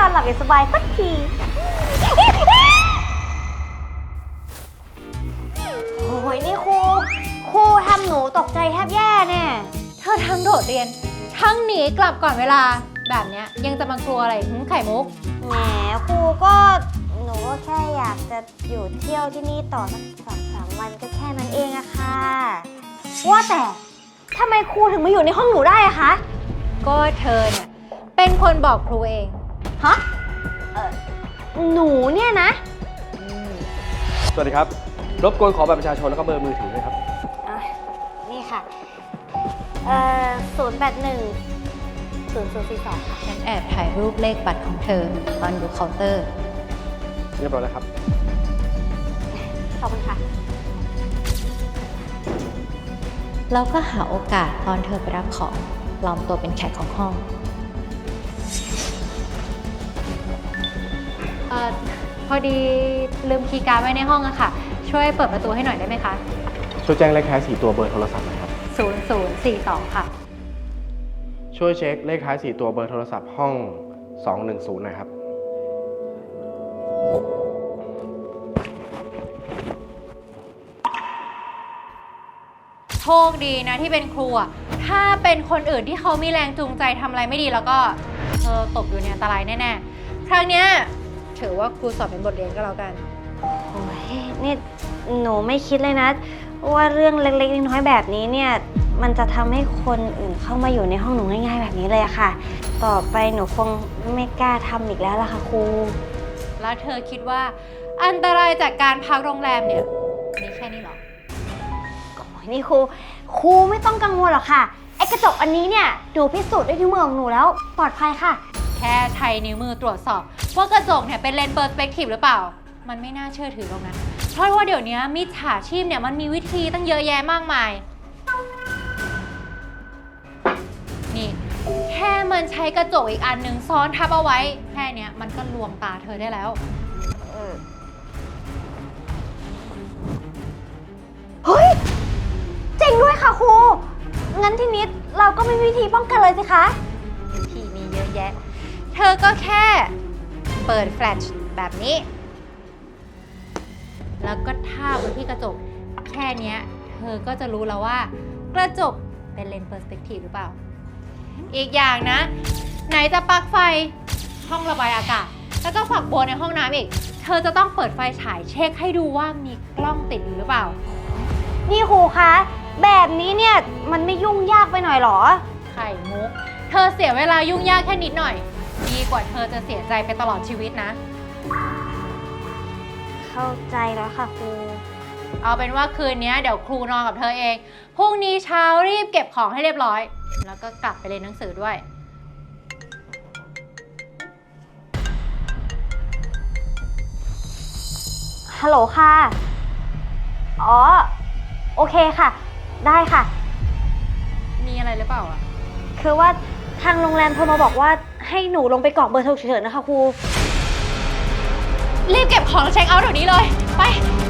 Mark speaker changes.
Speaker 1: อนหลับอย่างสบายสักทีโอ้ยนี่ครูทำหนูตกใจแทบแย่แน่
Speaker 2: เธอทั้งโดดเรียน ทั้งหนีกลับก่อนเวลา แบบเนี้ยยังจะมากลัวอะไรไข่มุก
Speaker 1: แหมครูก็หนูก็แค่อยากจะอยู่เที่ยวที่นี่ต่อสัก2-3 วันก็แค่นั้นเองอะค่ะว่าแต่ทำไมครูถึงมาอยู่ในห้องหนูได้อะคะ
Speaker 2: ก็เธอเนี่ยเป็นคนบอกครูเอง
Speaker 1: ฮะหนูเนี่ยนะ
Speaker 3: สวัสดีครับ รบกวนขอบัตรประชาชนแล้วก็เบอร์มือถือด้วยครับ
Speaker 1: นี่ค่ะ081 0042 ค่ะ
Speaker 2: ฉันแอบถ่ายรูปเลขบัตรของเธอตอนอยู่เคาน์เตอร์
Speaker 3: เรียบร้อยแล้วครับ
Speaker 1: ขอบคุณค่ะ
Speaker 2: แล้วก็หาโอกาสตอนเธอไปรับของปลอมตัวเป็นแขกของห้องพอดีลืมคีย์การ์ดไว้ในห้องอะค่ะ ช่วยเปิดประตูให้หน่อยได้ไหมคะ
Speaker 3: ช่วยแจ้งเลขท้าย4ตัวเบอร์โทรศัพท์หน่อยครับ
Speaker 2: 0042 ค่ะ
Speaker 3: ช่วยเช็คเลขท้าย4ตัวเบอร์โทรศัพท์ห้อง 210หน่อยครับ
Speaker 2: โชคดีนะที่เป็นครูอะถ้าเป็นคนอื่นที่เขามีแรงจูงใจทำอะไรไม่ดีแล้วก็เธอตกอยู่ในอันตรายแน่ๆ ครั้งเนี้ยถือว่าครูสอนเป็นบทเรียนก็แล้วกัน
Speaker 1: โอ้ยนี่หนูไม่คิดเลยนะ ว่าเรื่องเล็กๆน้อยๆแบบนี้เนี่ยมันจะทำให้คนอื่นเข้ามาอยู่ในห้องหนูง่ายๆแบบนี้เลยอะค่ะ ต่อไปหนูคงไม่กล้าทำอีกแล้วล่ะค่ะครู
Speaker 2: แล้วเธอคิดว่าอันตรายจากการพักโรงแรมเนี่ยมีแค่นี้เหรอ
Speaker 1: โอ้ยนี่ครูไม่ต้องกังวลหรอกค่ะไอ้กระจกอันนี้เนี่ยหนูพิสูจน์ด้วยนิ้วมือของหนูแล้วปลอดภัยค่ะ
Speaker 2: แค่ใช้นิ้วมือตรวจสอบว่ากระจกเนี่ยเป็นเลนส์เปอร์สเปกทีฟหรือเปล่า มันไม่น่าเชื่อถือตรงนั้น เพราะว่าเดี๋ยวนี้มิจฉาชีพเนี่ยมันมีวิธีตั้งเยอะแยะมากมาย นี่แค่มันใช้กระจกอีกอันหนึ่งซ้อนทับเอาไว้ แค่เนี้ยมันก็ลวงตาเธอได้แล้ว
Speaker 1: เฮ้ยจริงด้วยค่ะครู งั้นทีนี้เราก็มีวิธีป้องกันเลยสิคะ
Speaker 2: วิธีมีเยอะแยะ เธอก็แค่เปิดแฟลชแบบนี้ แล้วก็ทาบไว้ที่กระจก แค่เนี้ยเธอก็จะรู้แล้วว่ากระจกเป็นเลนส์เปอร์สเปกทีฟหรือเปล่า อีกอย่างนะ ไหนจะปลั๊กไฟห้องระบายอากาศ แล้วก็ฝักบัวในห้องน้ำอีก เธอจะต้องเปิดไฟฉายเช็คให้ดูว่ามีกล้องติดอยู่หรือเปล่า
Speaker 1: นี่ครูคะ แบบนี้เนี่ยมันไม่ยุ่งยากไปหน่อยหรอ
Speaker 2: ไข่มุก เธอเสียเวลายุ่งยากแค่นิดหน่อย ดีกว่าเธอจะเสียใจไปตลอดชีวิตนะ
Speaker 1: เข้าใจแล้วค่ะครู
Speaker 2: เอาเป็นว่าคืนนี้เดี๋ยวครูนอนกับเธอเอง พรุ่งนี้เช้ารีบเก็บของให้เรียบร้อย แล้วก็กลับไปเรียนหนังสือด้วย
Speaker 1: ฮัลโหลค่ะ อ๋อ โอเคค่ะ ได้ค่ะ
Speaker 2: มีอะไรหรือเปล่าอ่ะ
Speaker 1: คือว่าทางโรงแรมโทรมาบอกว่าให้หนูลงไปกรอกเบอร์ฉุกเฉินนะคะครู
Speaker 2: รีบเก็บของแล้วเช็คเอาท์เดี๋ยวนี้เลย ไป